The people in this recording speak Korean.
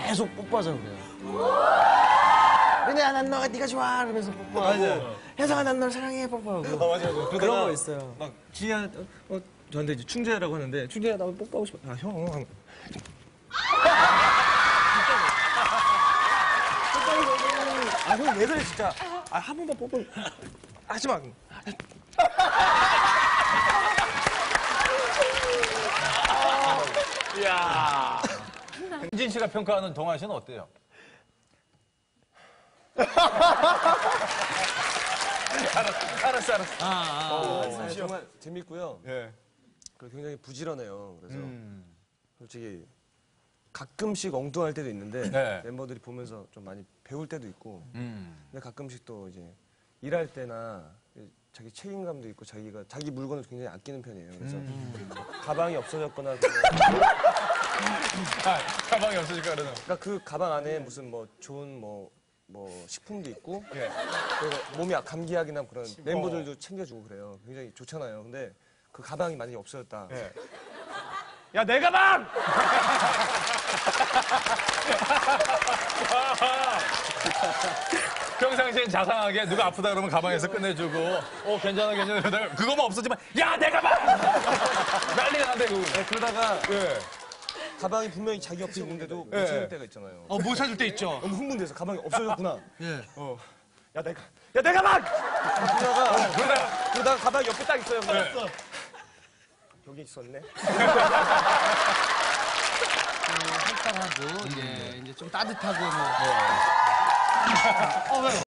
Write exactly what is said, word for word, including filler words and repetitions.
계속 뽀뽀하자 그래요. 근데 난 너가 네가 좋아 그러면서 뽀뽀하고 혜성아 난 널 사랑해 뽀뽀하고. 아, 맞아요. 맞아요. 그런 거 있어요. 막 지희야, 어, 어, 저한테 이제 충재라고 하는데 충재야 나 뽀뽀하고 싶어. 아 형. 하면. 아 형 왜 그래 진짜. 아 한 번만 뽀뽀. 하지 마. 이야. 현진 씨가 평가하는 동환 씨는 어때요? 알았어, 알았어, 알았어. 아, 아, 아, 정말 재밌고요. 예. 그리고 굉장히 부지런해요. 그래서 솔직히 가끔씩 엉뚱할 때도 있는데 네. 멤버들이 보면서 좀 많이 배울 때도 있고 음. 근데 가끔씩 또 이제 일할 때나 자기 책임감도 있고 자기가 자기 물건을 굉장히 아끼는 편이에요. 그래서 가방이 없어졌거나 아, 가방이 없으니까 그러는. 그러니까 그 가방 안에 무슨 뭐 좋은 뭐, 뭐 식품도 있고 예. 그리고 몸이 감기약이나 그런 멤버들도 챙겨주고 그래요. 굉장히 좋잖아요. 근데 그 가방이 만약에 없어졌다. 예. 야, 내 가방! 평상시엔 자상하게 누가 아프다 그러면 가방에서 끝내주고, 어, 괜찮아, 괜찮아. 그러다가 그거만 없어지면, 야, 내 가방! 난리가 난대, 그거. 네, 그러다가 예. 가방이 분명히 자기 옆에 있는데도 못 예. 찾을 때가 있잖아요. 어, 뭐 찾을 때 있죠. 너무 흥분돼서 가방이 없어졌구나. 예. 어. 야, 내가, 야, 내 가방! 그러다가, 그러다가, 그러다가 가방이 옆에 딱 있어요. 그래서 여기 있었네. 활달하고 이제 이제 좀 따뜻하고 뭐. 어, 왜요?